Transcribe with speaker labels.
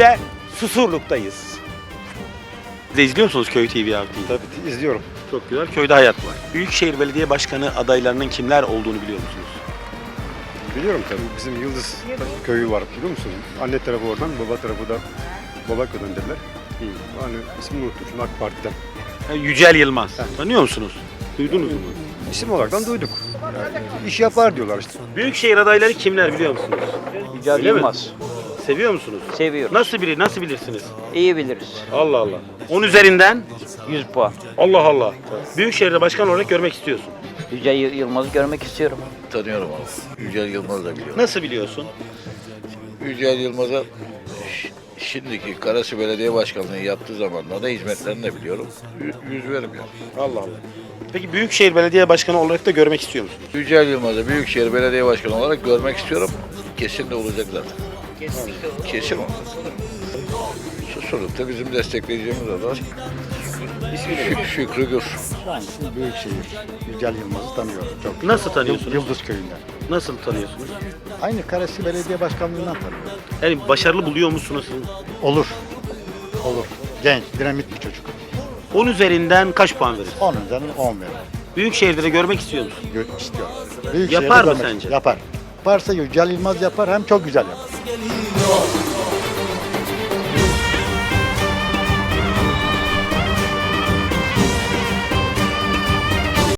Speaker 1: Denizli'de Susurluk'tayız. Siz de izliyor musunuz Köy TV abi?
Speaker 2: Tabii izliyorum.
Speaker 1: Çok güzel. Köyde hayat var. Büyükşehir Belediye Başkanı adaylarının kimler olduğunu biliyor musunuz?
Speaker 2: Biliyorum tabii. Bizim Yıldız köyü var biliyor musun? Anne tarafı oradan, baba tarafı da Babaköy'den dediler. Hani ismini unuttum şimdi AK Parti'den.
Speaker 1: Yücel Yılmaz. Tanıyor musunuz? Duydunuz mu?
Speaker 2: İsim olaraktan duyduk. Yani iş yapar diyorlar işte.
Speaker 1: Büyükşehir adayları kimler biliyor musunuz?
Speaker 3: Yücel
Speaker 1: Öyle mi?
Speaker 3: Yılmaz.
Speaker 1: Seviyor musunuz?
Speaker 3: Seviyorum.
Speaker 1: Nasıl bilirsiniz?
Speaker 3: İyi biliriz.
Speaker 1: Allah Allah. 10 üzerinden
Speaker 3: 100 puan.
Speaker 1: Allah Allah. Büyükşehir'de başkan olarak görmek istiyorsun.
Speaker 3: Yücel Yılmaz'ı görmek istiyorum.
Speaker 4: Tanıyorum onu. Yücel Yılmaz'ı da biliyorum.
Speaker 1: Nasıl biliyorsun?
Speaker 4: Yücel Yılmaz'a şimdiki Karası Belediye Başkanlığı yaptığı zamanlarda hizmetlerini de biliyorum. Yüz verim yani.
Speaker 1: Allah Allah. Peki Büyükşehir Belediye Başkanı olarak da görmek istiyor musunuz?
Speaker 4: Yücel Yılmaz'ı Büyükşehir Belediye Başkanı olarak görmek istiyorum. Kesin de olacak zaten. Kesin o. Susurluk'ta bizim destekleyeceğimiz adam Şükrü Gür.
Speaker 5: Ben şimdi Büyükşehir, Yücel Yılmaz'ı tanıyorum çok.
Speaker 1: Nasıl tanıyorsunuz?
Speaker 5: Yıldız Köyü'nden.
Speaker 1: Nasıl tanıyorsunuz?
Speaker 5: Aynı Karasi Belediye Başkanlığı'ndan tanıyorum.
Speaker 1: Yani başarılı buluyor musunuz?
Speaker 5: Olur. Olur. Genç, dinamik bir çocuk.
Speaker 1: 10 üzerinden kaç puan verir?
Speaker 5: 10 üzerinden 10 veririm.
Speaker 1: Büyükşehir'de de görmek istiyor musun?
Speaker 5: İstiyorum.
Speaker 1: Yapar mı
Speaker 5: görmek-
Speaker 1: sence?
Speaker 5: Yapar. Yaparsa Yücel Yılmaz yapar hem çok güzel yapar.